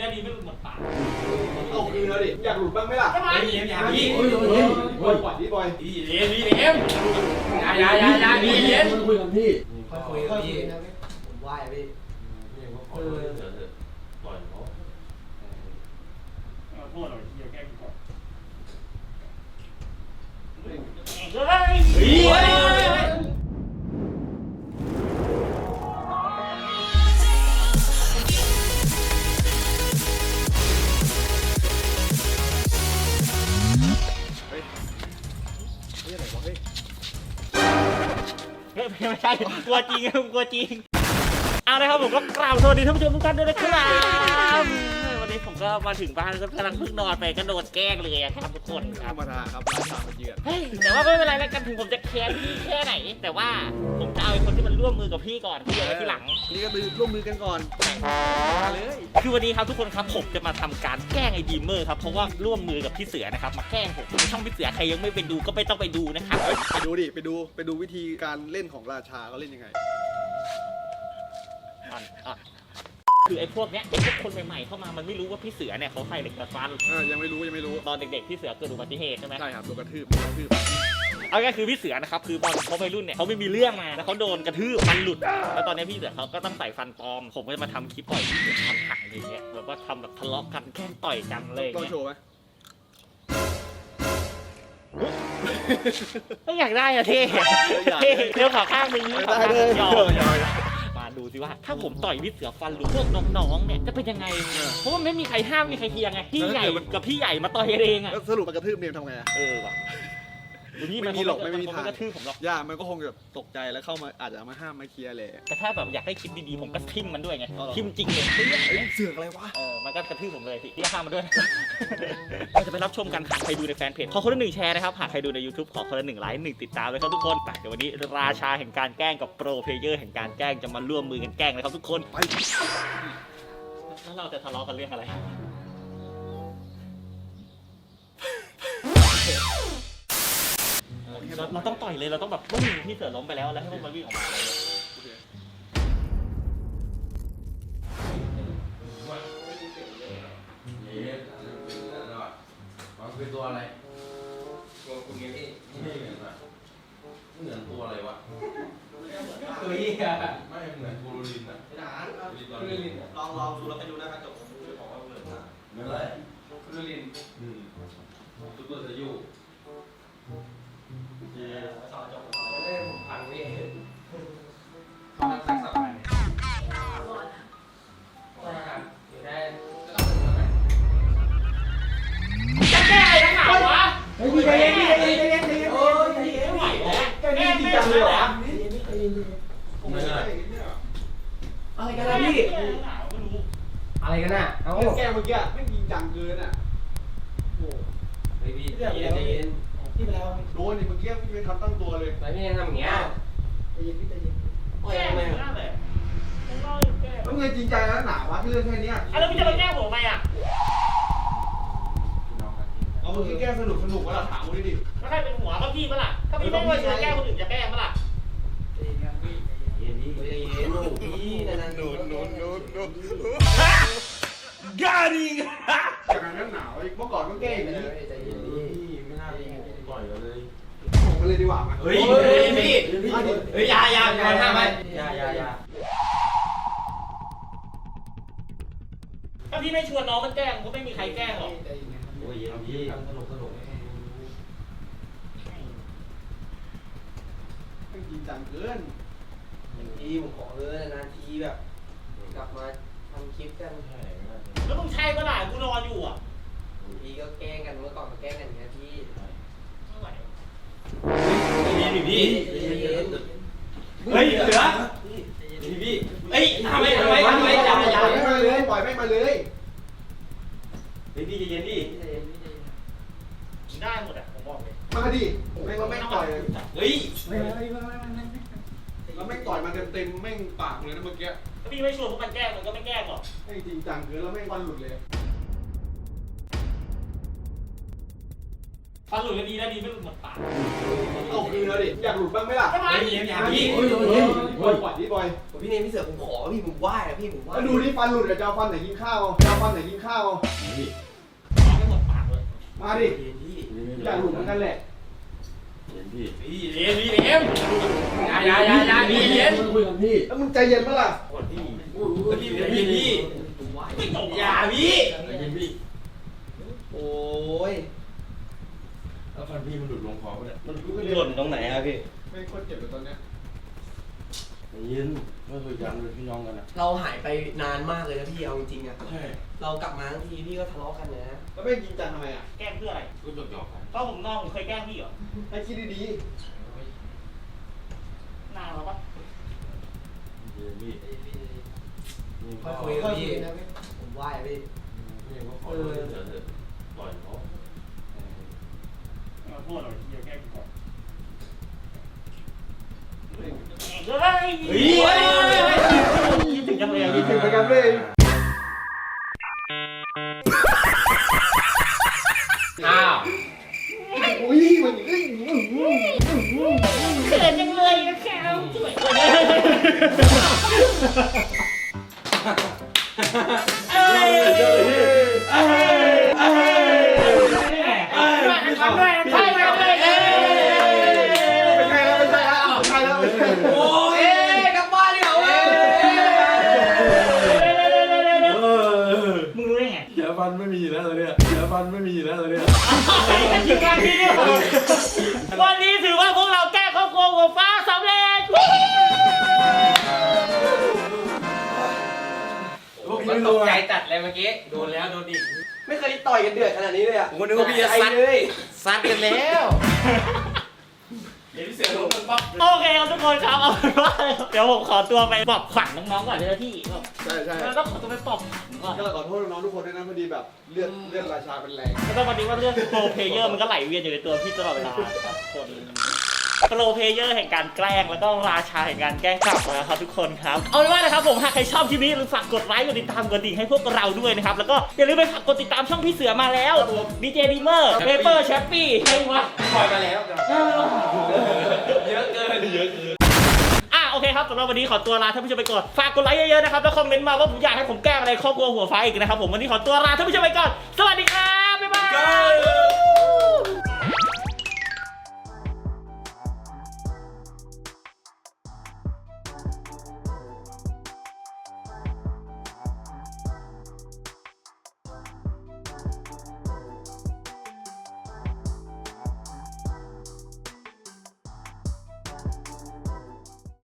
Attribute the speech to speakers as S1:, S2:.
S1: นะดีไม่หลุดหมดปาก
S2: เอาคืนแล้วดิอยากหลุดบ้างไหมล่ะ
S1: ทำไมอย่าพี่
S2: บอยปล่อยดิบอย
S1: พี่เอ็มอย่าพี่เอ็ม
S3: คุยกันพี่
S4: ค่อยคุยกับพี่ผมไหว้พี่
S1: ปล่อยเขาพูดหน่อยเดี๋ยวแก้กูก่อนเฮ้ยไม่ใช่กลัวจริงกลัวจริงเอาเลยครับผมก็กราบสวัสดีท่านผู้ชมทุกท่านด้วยนะครับวันนี้ผมก็มาถึงบ้านก็กำลังเพิ่งนอนไปกระโดดแกล้งเลยครับทุกคนค
S2: ธ
S1: รั
S2: ร
S1: บ
S2: รมดาครับร้านสามมาเยือน
S1: แต่ว่าไม่เป็นไรแล้วกันถึงผมจะแค้นพี่แค่ไหนแต่ว่าผมจะเอาไอ้คนที่มันร่วมมือกับพี่ก่อนพี่เอาไว้ทีหลัง
S2: นี่ก็ร่วมมือกันก่อนมาเลย
S1: คือวันนี้ครับทุกคนครับผมจะมาทำการแกล้งไอ้ดีมเมอร์ครับเพราะว่าร่วมมือกับพี่เสือนะครับมาแกล้งผมช่องพี่เสือใครยังไม่ไปดูก็ไม่ต้องไปดูนะครับ
S2: ไปดูดิไปดูวิธีการเล่นของราชาเขาเล่นยังไง
S1: คือไอ้พวกเนี้ยไอ้พวกคนใหม่ๆเข้ามามันไม่รู้ว่าพี่เสือเนี่ยเขาใส่เหล็กดัดฟัน
S2: ยังไม่รู้
S1: ตอนเด็กๆพี่เสือเกิดอุบัติเหตุใช่ไหม
S2: ใช่ครับโดนกระทืบ
S1: เอาง่ายคือพี่เสือนะครับคือตอนเขาวัยรุ่นเนี่ยเขาไม่มีเรื่องมาแล้วเขาโดนกระทืบฟันหลุดแล้วตอนนี้พี่เสือเขาก็ต้องใส่ฟันปลอมผมก็จะมาทำคลิปปล่อยพี่เสือทำหักอย่างเงี้ยแบบว่าทำแบบทะเลาะกันแกล้งต่อยกันเลย
S2: ต้อง
S1: เงี้ย
S2: โชว์ไหม
S1: ไม่อยากได้อะเท่เดี๋ยวขอข้างนึง
S2: ได้เลย
S1: มาดูสิว่าถ้าผมต่อยพี่เสือฟันหรือพวกน้องๆเนี่ยจะเป็นยังไงเพราะว่าไม่มีใครห้ามมีใครเคียงไงพี่ใหญ่กับพี่ใหญ่มาต่อยเองอะ
S2: แล้วสรุปมันกระทืบเนี่ยทำไงอะ
S1: ว่ะนี่
S2: ไม่มีหรอกไม่มีทาง
S1: กระทืบผมหรอก
S2: ย่ามันก็คงแบบตกใจแล้วเข้ามาอาจจะมาห้ามมาเคลียร์แหละ
S1: แต่ถ้าแบบอยากได้คลิปดีๆผมก็ทิมมันด้วยไงทิมจริงเลย
S2: เสือกอะไรวะ
S1: มันก็กระทืบผมเลยพี่ห้ามมันด้วยเราจะไปรับชมกันหากใครดูในแฟนเพจขอคนละ1แชร์นะครับหากใครดูใน YouTube ขอคนละ1ไลค์1ติดตามเลยครับทุกคนเดี๋ยววันนี้ราชาแห่งการแกล้งกับโปรเพลเยอร์แห่งการแกล้งจะมาร่วมมือกันแกล้งเลยครับทุกคนไปแล้วเราจะทะเลาะกันเรื่องอะไรเราต้องต่อยเลยเราต้องแบบปุ้งพี่เสือล้มไปแล้วให้พวกมันวิ่งออกมา
S3: มันคือตัวอะไรตัวคุณไงพี่ไม่เหมือนอะเหมือนตัวอะไรวะตัวเหี้ยไม่เหมือนบูรินอะทหารบูรินลองดูแล้วไปดูนะครับจบผมจะบอกว่าเหมือนอะไรบูรินซุปเปอร์เซยูสอนจบเล่นพันวิตอนนั้นสักสักวันได้
S1: จะแก้อะไรนักหนาวะ
S4: เฮ้ยใจเย็นโอ้ยใจเย็น
S1: ไม่ไหวแล้ว
S4: แกนี่จริงจังเลยเหรอใจเย็น
S3: ไม่ใช่
S4: อะไรกันนะพี่อะไรกันน่ะเอ้า
S2: แกเมื่อกี้ไม่จริงจังเกินอ่ะโอ้
S3: พี่ใจเย็น
S4: พี่ไปแล้ว
S2: โดนเมื่อกี้ไม่ทันตั้งตัวเลย
S3: ไม่ยังทำอย่างเงี้ย
S4: ใจเย็นพี่ใจเย็น
S3: โอ้ยยังไง
S2: แล้วเงินจริงใจแล้วหนาวะเรื่องแค่นี้
S1: แล้วพี่จะมาแก้ผมทำไมอ่ะ
S2: เอาเมื่อกี้แก้สนุกวะล่ะถามกูดิ
S1: แล้วใครเป็นหัวก็พี่ปะล่ะถ้าพี่ไม่ว่าจะแก้คนอื่นจะแก้ปะล่ะ
S4: ใจเย็นครับพี่
S3: เย็นพี่ใจเย็นพี่นั่น
S2: โดน
S1: กาดิง
S2: จากนั้นหนาวอีกเมื่อก่อนก็แก้อย่างนี้
S4: ใจเย็น
S3: พี่ไม่น่าปล่อยเลย
S2: ผมกันเลยดีกว่ามั้ย
S3: เฮ้ยพี่เฮ้ยอย่าห้ามไปอย่า
S1: ถ้าพี่ไม่ชวนน้องมันแกล้งก็ไม่มีใครแกล้งหรอก
S4: ใจเย็นครับ
S3: โอ้ยเย็นพี่สนุก
S2: ไม่จริงจังเกิน
S4: พี่ผมขอเลยนานทีแบบกลับมาทำคลิปกัน
S1: แล้วมึงใช่ปะล่ะกูนอนอยู่อ่ะ
S4: พี่ก็แกล้งกันเมื่อก่อนก็แกล้งกันอย่างเงี้ยพี่
S1: ไม่ไหว
S3: พี่เฮ้ยเสือพี่เฮ้ยทำไมอย่า
S2: ปล่อยไม่มาเลย
S3: เฮ้ยพี่ใจเย็นดิ
S4: พี่ใจเย็นพี่ใจเย็น
S1: ได้หมดอ่ะผมบอกเลย
S2: มาดิแม่งเราแม่งต่อย
S3: เฮ้ย
S2: แล้วแม่งต่อยมาเต็มแม่งปากเลยนะเมื่อกี้
S1: ถ้าพี่ไม่ชวนพวกมันแกล้งมันก็ไม่แกล้งหรอก
S2: แม่งจริงจังเกินแล้วแม่งวันหลุดเลย
S1: ฟันหลุดก็ดีนะดีไม่หลุดหมดปาก
S2: เอาคืนแล้วดิอยากหลุดบ้างไหมล่ะ
S1: ทำไม
S2: พี่บอยปล่อยพี่บอย
S4: พี่เนมพี่เสือผมขอพี่ผมไหว้อะพี่ผมไหว้
S2: มาดูที่ฟันหลุดกับเจ้าฟันไหนกินข้าวเจ้าฟันไหนกินข้าว
S1: ไม่หมดปากเลย
S2: มาดิอยากหลุดเหมือนกันแหละ
S1: พี่เลี้ยงพี่เลี้ยง
S3: คุยกับพี่
S2: แล้วมึงใจเย็นปะล่ะ
S1: พี่
S4: ผมไหว้
S1: ไม่ตกอย่าพี่
S4: โอ้ย
S3: แล้วฟันพี่มันหลุดลงคอปะเนี่ย
S2: มัน
S5: หล่นตรงไหนครับพี่
S2: ไม่โคตรเจ็บเลยตอนเนี้ย
S3: ยินไม่เคยยังเลยพี่น้องกันนะ
S4: เราหายไปนานมากเลยนะพี่เอาจริงๆอะ
S3: ใช่
S4: เรากลับมาทั้งทีพี่ก็ทะเลาะกันนะ
S2: แล้วไม่จริงจังทำไมอ่ะ
S1: แกล้งเพื่ออะไร
S3: ก็หยอกกัน
S1: ก็ผมนอกผมเคยแกล้งพี่เหรอ
S2: ให้คิดดี
S1: นานแล้วปะ
S3: ยินพี่
S4: ค่อยคุยกับพี่ผมไหว้อะพี่
S3: พี่ก็ขอโทษเถอะปล่อยเขา
S1: มาพูดหน่อยที่แกล้งก่อน
S2: ๆ
S1: เฮ้ยคิดถึงจังเลยอ่ะ
S2: คิดถึงเหมือนกันเลย
S1: อ้าว
S2: อุ้ยมัน
S1: เขินจังเลยนะแค่สวยเอ้ย
S4: โอ้ยกลับบ้านดีกว่าเว้ย
S1: มึงรู้ได้ไง
S3: เดี๋ยวฟันไม่มีแล้วเลยเนี่ยเดี๋ยวฟันไม่มีแล้วเลยเนี่ย
S1: วันนี้ถือว่าพวกเราแก้ครอบครัวหัวฟ้าสำเร็จ
S3: มันตกใจจัด
S1: โดนแล้วโดนอีก
S4: ไม่เคยต่อยกันเดือดขนาดนี้เลยอะ
S5: ผมก็นึกว่าพี่จะซัด
S4: เลย
S5: ซัดกันแล้ว
S1: เดี๋ยวพี่เสือลงปั๊บโอเคครับทุกคนครับเอาเป็นว่าเดี๋ยวผมขอตัวไปปลอบขวัญน้องๆก่อนเลยนะพี่
S2: ใช่ใช่
S1: แล้วก็ขอตัวไปปลอบขวัญก่อน
S2: ก็ขอโทษน้องๆทุกคนด้วยนะพอดีแบบเลือดราชาเป็นแรง
S1: แล้วก็วันนี้ว่าเรื่องโปรเพลเยอร์มันก็ไหลเวียนอยู่ในตัวพี่ตลอดเวลาครับคนโปรเพลเยอร์แห่งการแกล้งแล้วก็ราชาแห่งการแกล้งกลับนะครับทุกคนครับเอาเป็นว่านะครับผมหากใครชอบคลิปนี้อย่าลืมฝากกดไลค์กดติดตามกดดิ่งให้พววกเราด้วยนะครับแล้วก็อย่าลืมไปฝากกดติดตามช่องพี่เสือมาแล้วดีเจดีเมอร์เปเปอร์แชปปี้ใช่ไหม
S5: ปล่อยมาแล้ว
S1: เยอะเกินโอเคครับสำหรับวันนี้ขอตัวลาท่านผู้ชมไปก่อนฝากกดไลค์เยอะๆนะครับแล้วคอมเมนต์มาว่าผมอยากให้ผมแกล้งอะไรครอบครัวหัวฟ้าอีกนะครับผมวันนี้ขอตัวลาท่านผู้ชมไปก่อนสวัสดีครับบ๊ายบาย